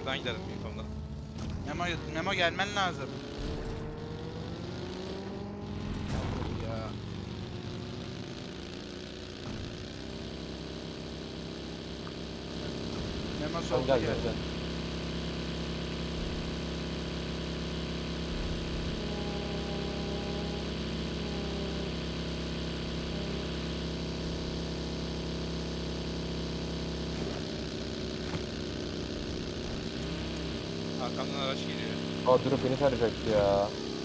Şuradan gidelim info'dan. Memo gelmen lazım. Ya. Memo Tamam solda gel gel. gel gel. Arkamdan araç geliyor. Aa durup beni tarayacaktı ya.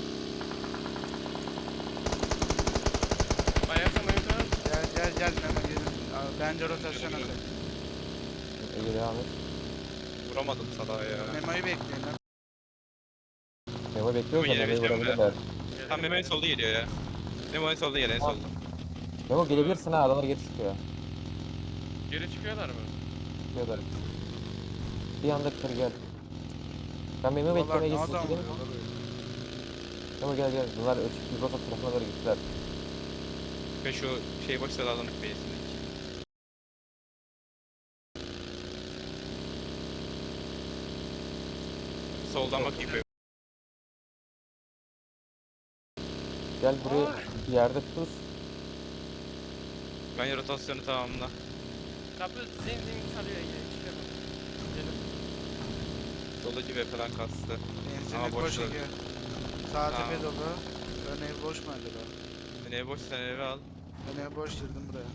Bayarsan oyuncu. Gel Memo gelin. Bence rotasyon atacak. Ege devam et. Vuramadım salağa ya. Memo'yu bekleyin lan. Memo bekliyoruz da Memo Memo'yu gelebileceğim vurabilirler. Tam Memo en solda geliyor ya. Memo en solda geliyor en Tamam. solda. Memo gelebilirsin ha, adamlar geri çıkıyor. Geri çıkıyorlar mı? Çıkıyorlar. Bir anda kır gel. Ben Memo'yu Vallahi beklemeye ne geçtim. adam Gidelim. vuruyorlar öyle. Memo gel gel. Bunlar öteki rota tarafına doğru gittiler. Ve şu şey boş sıralanık base'indeki. Soldan bakayım böyle. Gel buraya bir yerde tuz. Ben rotasyonu tamamla. Kapı zin sarıyor ya. İşte bak. Gidelim. Soldaki ve falan kastı. Benzinlik boş boş ver. Ege. Sağ Tamam. tepe dolu. Ön ev boş mu acaba? Ben ev boş sen eve al. Ön ev boş girdim buraya.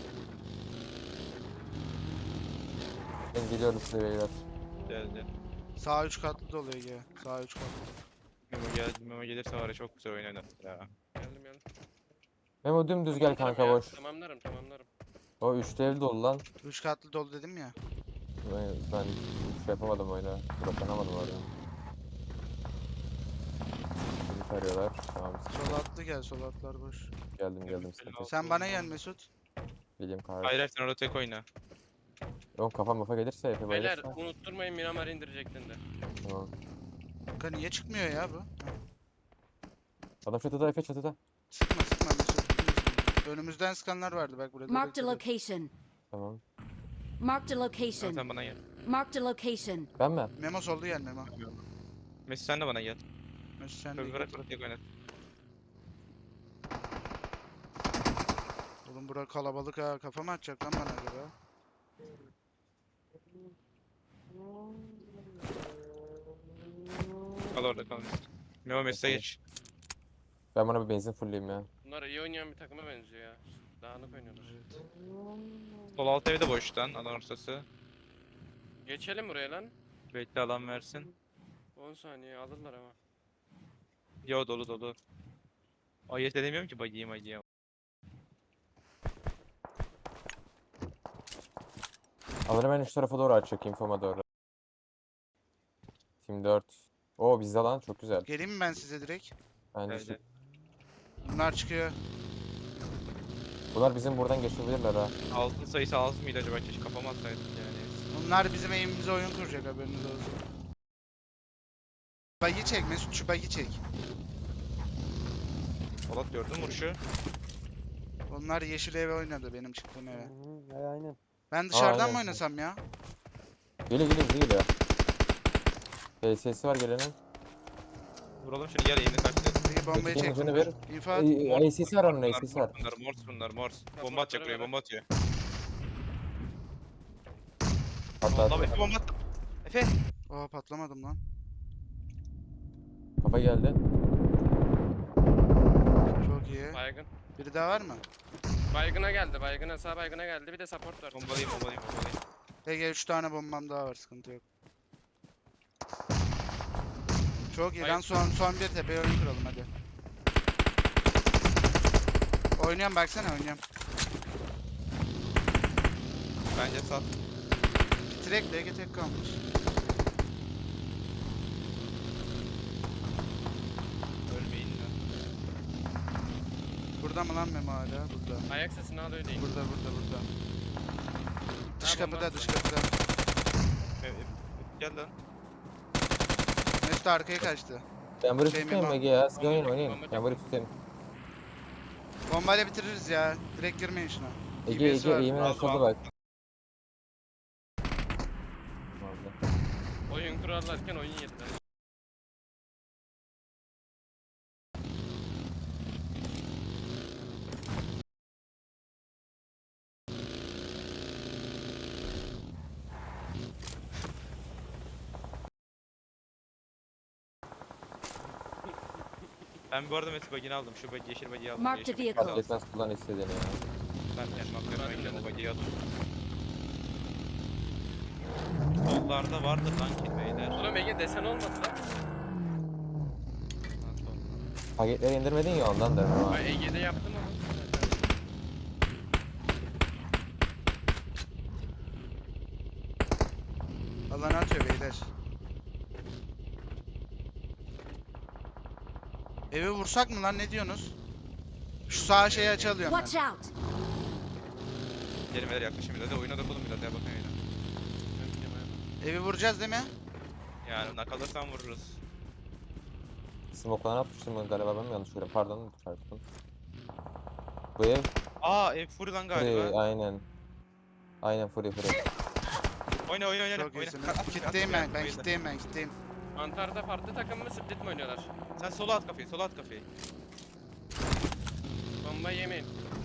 Ben geliyorum size beyler. Geldi. Sağ 3 katlı dolu Ege. Sağ 3 katlı. Memo geldi. Memo gelirse var ya çok güzel oynanır ya. Geldim. Memo dümdüz gel Tamamlarım kanka ya, boş. Tamamlarım. O üçlü ev dolu lan. 3 katlı dolu dedim ya. Ben şey yapamadım oyuna. Bırakanamadım orada. Beni tarıyorlar. Tamam Sol atlı gel. Sol atlar boş. geldim sıkıntı yok. Sen bana gel Mesut. Geleyim Hayır kahve. hayır sen orada tek oyna. Oğlum kafa mafa gelirse Efe Beyler bayılırsa. unutturmayın Miramar indirecektin de. Tamam. Kanka niye çıkmıyor ya bu? Adam çatıda Efe çatıda. Sıkma Mesut. Önümüzden sıkanlar vardı bak burada. Marked a dikkat et. location. Tamam. Marked a Sen, location. sen bana gel. Marked a location. Ben mi? Memo solda gel Memo. Mesut sen de bana gel. Mesut sen de Tabii gel. bırak tek oynat. Oğlum bura kalabalık ha. Kafamı atacak lan bana göre. Kal orada kal Mesut. Memo Mesut'a geç. Ben bana bir benzin fullleyeyim ya. Bunlar iyi oynayan bir takıma benziyor ya. Dağınık oynuyorlar. Sol alt evi de boştan alan ortası. Geçelim buraya lan. Bekle alan versin. 10 saniye alırlar ama. Yo dolu dolu. Ayet edemiyorum ki bagiyim. Alırım ben şu tarafa doğru açacak infoma doğru. Team 4. Oo bizde lan çok güzel. Geleyim mi ben size direkt? Bence Geldi. Bunlar çıkıyor. bunlar bizim buradan geçebilirler ha. Altın sayısı az mıydı acaba keşke kafama atsaydık yani. Bunlar bizim evimize oyun kuracak haberiniz olsun. Bagi çek Mesut şu bagi çek. Polat gördün mü vuruşu? Onlar yeşil eve oynadı benim çıktığım eve. Aynen. Ben dışarıdan aynen. mı oynasam ya? Geliyor bize geliyor. PS'si var gelenin. Vuralım şunu gel yeni kaçtı. Bir bombayı Ötekinin çektim. ucunu ver. İnfat. AC'si var onun AC'si var. Bunlar mors. Bomba atacak buraya bomba atıyor. Hatta Allah Efe bomba attı. Efe. Oha patlamadım lan. kafa geldi. Çok iyi. Baygın. Biri daha var mı? Baygına geldi. Sağ baygına geldi. Bir de support var. Bombalayayım. Ege 3 tane bombam daha var sıkıntı yok. Çok iyi Hayır. lan son bir tepeye oyun kuralım hadi. Oynuyorum baksana oynuyorum. Bence sat. Bitirek de Ege tek kalmış. Ölmeyin lan. Burada mı lan Memo hala? Burada. Ayak sesini al öyleyim. Burada. Dış Ha, bomba kapıda attı. dış kapıda. Gel lan. Mesut arkaya kaçtı. Ben burayı Şey, tutayım Memo. Ege ya. Siz Bomba oynayın. bomba Ben burayı tutayım. Bombayla bitiririz ya. Direkt girmeyin şuna. Ege DBS var. eğimin Aldım, aşağıda aldım. bak. Oyun kurarlarken oyun yediler. Ben bu arada Mesut bagini aldım. Şu bagi, yeşil bagiyi aldım. Marked Yeşil a bagiyi vehicle. aldım. Fark etmez kullan istediğini ya. Ben kendim aklıma Ben gidiyorum o de. bagiyi aldım. Sollarda vardır lan ki beyler. Oğlum Ege desen olmadı lan. Ha, sol. Paketleri indirmedin ya ondan da. Ben Ege'de yaptım ama. Alana atıyor beyler. Evi vursak mı lan, ne diyorsunuz? Şu sağ şeyi açalıyorum Watch ben. out! Gidelim beyler yaklaşayım biraz. Oyuna dokunun biraz ya bakın oyuna. Evi vuracağız değil mi? Yani nakalırsan vururuz. Smoke'dan atmıştım ben galiba, ben mi yanlış görüyorum? Pardon, çarptım. Bu ev Aa ev full lan galiba. free, aynen. Aynen free. Oyna oyna oyna. Çok oyna. iyisiniz. At, at, Kitleyim at, ben, at, ben oyna. kitleyim, ben kitleyim. Mantarda farklı takım mı split mi oynuyorlar? Sen sola at kafayı, sola at kafayı. Bomba yemeyin.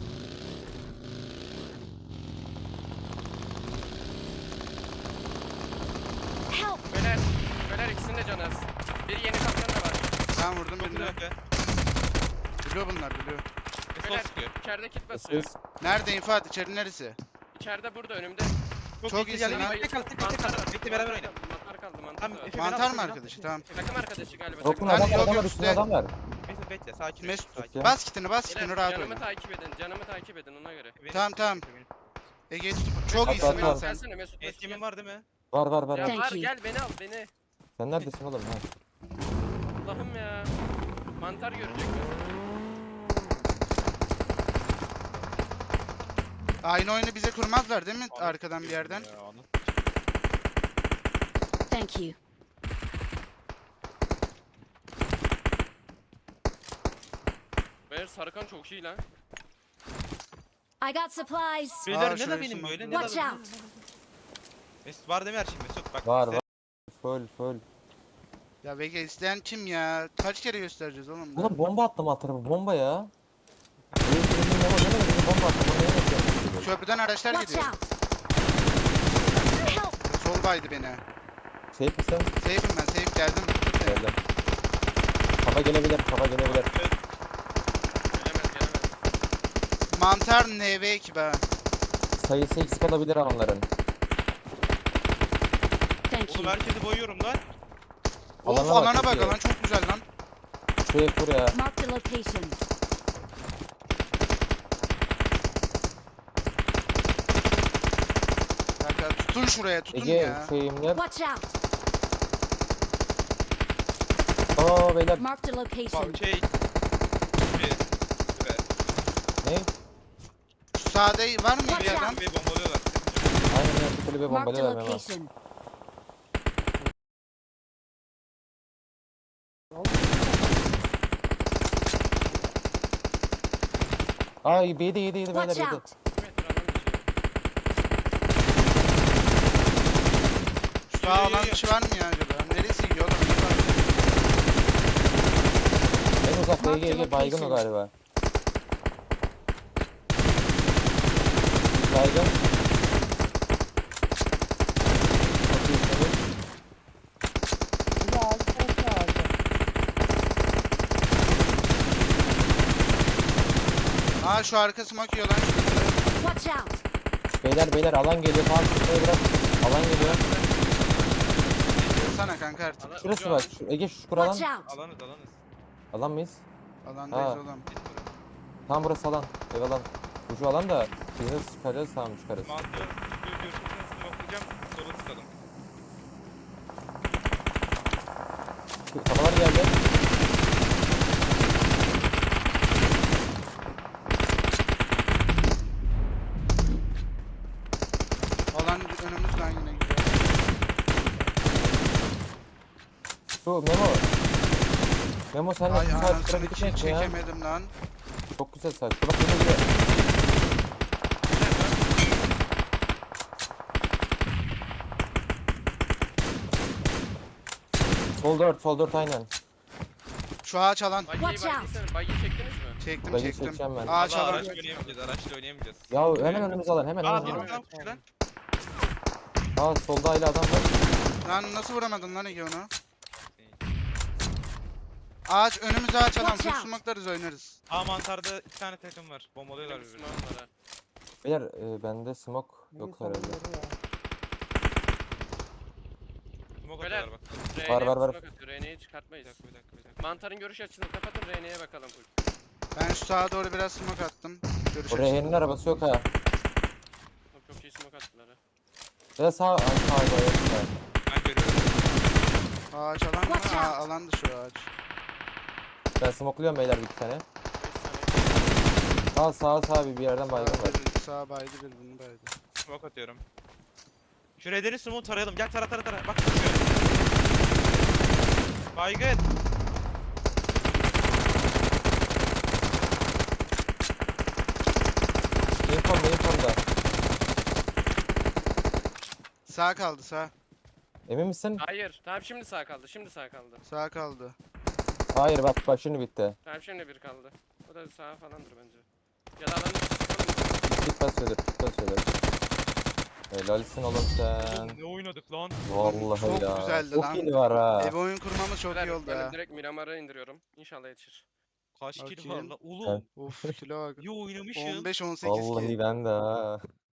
Help! Beyler ikisinin de canı az. Biri yeni kaptan da var. Ben vurdum Çok birini. güzel. Biliyor bunlar, biliyor. Ve sol Beyler sıkıyor. içeride kit basıyor. Siz Nerede infat? İçeri neresi? İçeride burada önümde. Çok iyi iyisin geldi. lan. Tek kal, tek kal, tek kal. Bekle beraber oyna. Mantar kaldı mantar Tamam, da var. Efe, Mantar beni al, mı beni al. arkadaşı? Tamam. Takım arkadaşı galiba. Rokun Ben- adam yok, var, adam yok, var, üstünde üstte. adam var. Mesut bekle, sakin ol. Mesut, sakin. ya. Bas kitini, bas kitini, Beyler, rahat canımı oyna. takip edin. Canımı takip edin ona göre. Beni- Tamam, tamam. Ege çok At, iyisin at, lan at. sen. Gelsene Mesut. Mesut Eskimin gel. var değil mi? Var. Ya Thank var you. gel beni al beni. Sen neredesin oğlum? Ha. Allah'ım ya. Mantar görecek Mesut. Aynı oyunu bize kurmazlar değil mi? Anasını Arkadan bir yerden. ya, anasını. Thank you. Beyler Sarıkan çok iyi lan. I got supplies. Beyler ne şuraya da benim smoke. böyle ne da Watch benim. out! Mesut var değil mi her şey Mesut? Bak Var bize- var. Full. Ya Vega isteyen kim ya? Kaç kere göstereceğiz oğlum? Oğlum bomba attım alt tarafı, bomba ya. Bomba attım, onu niye yapıyorsun? Köprüden araçlar Watch gidiyor. out! Help! Sol baydı beni. Şey misin? Safe'im ben, safe geldim. Tut beni. Geldim. Kafa gelebilir. Gelemez. Mantar NV ekibi ha. Sayısı eksik olabilir onların. Thank Oğlum you. herkesi boyuyorum lan. Of Alana bak, alana çok bak, iyi. alan çok güzel lan. Şu ev buraya. Marked a location. Kanka tutun şuraya, tutun Ege ya. şeyimler. Watch out! Oo beyler. Marked a location. Bak şey. Ve Ne? Şu sağda var mı bir Watch adam? out. ve bombalıyorlar. Aynen ya, şu kulübe Marked a bombalıyorlar Memo. location. Ay yedi beyler Watch yedi. out! Şu sağ alan dışı var mı ya acaba? Neresi yiyor oğlum? En uzakta Marked Ege baygın o location. galiba. Baygın. Çok iyisiniz. Aa şu arkası makıyor lan. Watch out! Beyler alan geliyor. Tamam şuraya bırak. Alan geliyor. Sana kanka artık. Şurası bak. Ege şu kuralan. Watch out! Alanız. Alan mıyız? Alandayız Ha. oğlum. Tam burası alan. Ev alan. Şu alan da biz nasıl çıkaracağız? Tamam çıkarız. Mantı görürseniz smokelayacağım. Sola sıkalım. Kafalar geldi. Alan önümüzden yine gidiyor. Şu Memo. Memo sen de Ay sağ anasını çıkarabildik mi ya? çekemedim lan. Çok güzel sağ. Şu bak yine gidiyor. Sol 4 aynen. Şu ağaç alan. Bagiyi Watch out. çektiniz mi? Çektim Bagi çektim. çekeceğim ben. Ağaç Allah alan. araçla oynayamayacağız. Araçla oynayamayacağız. Ya hemen önümüze alın hemen Aa önümüze dur alın. lan lan. Aa solda hala adam var. Lan nasıl vuramadın lan Ege onu? Ağaç önümüze ağaç alan. Watch Full out. smoke'larız oynarız. Aa mantarda 2 tane takım var. Bombalıyorlar Benim birbirini. smoke'um var ha. Beyler bende smoke yok herhalde. Smoke Beyler. atıyorlar bak. R'ye var. smoke atıyor. R'yi Bir çıkartmayız. dakika bir dakika bir dakika. Mantarın görüş açısını kapatın. R'ye bakalım full. Ben şu sağa doğru biraz smoke attım. Görüş Oraya açısından. Hen'in arabası yok ha. Çok iyi smoke attılar ha. Ya da sağ yok ya. Ben görüyorum. Ağaç alan mı? Watch Aa, out. alandı şu ağaç. Ben smokluyorum beyler bir tane. 5 saniye. Sağ bir yerden baygın var. Sağ baydı bir bunu baydı. Smoke atıyorum. Şu redeni smoke tarayalım. Gel tara. Bak. Baygın. Infom'da. Sağ kaldı sağ. Emin misin? Hayır. Tamam şimdi sağ kaldı. Şimdi sağ kaldı. Sağ kaldı. Hayır bak şimdi bitti. Tamam şimdi bir kaldı. O da sağ falandır bence. Ya da alanı sıkalım. Git basıyordur. Helalsin oğlum sen. Oğlum ne oynadık lan? Vallahi Çok ya. güzeldi Çok lan. iyi var ha. Ev oyun kurmamız çok iyi oldu Ben ha. direkt Miramar'a indiriyorum. İnşallah yetişir. Kaç kill var Bakayım. lan? Oğlum. Of kilo bak. İyi oynamışım. 15-18 Vallahi ki. ben de ha.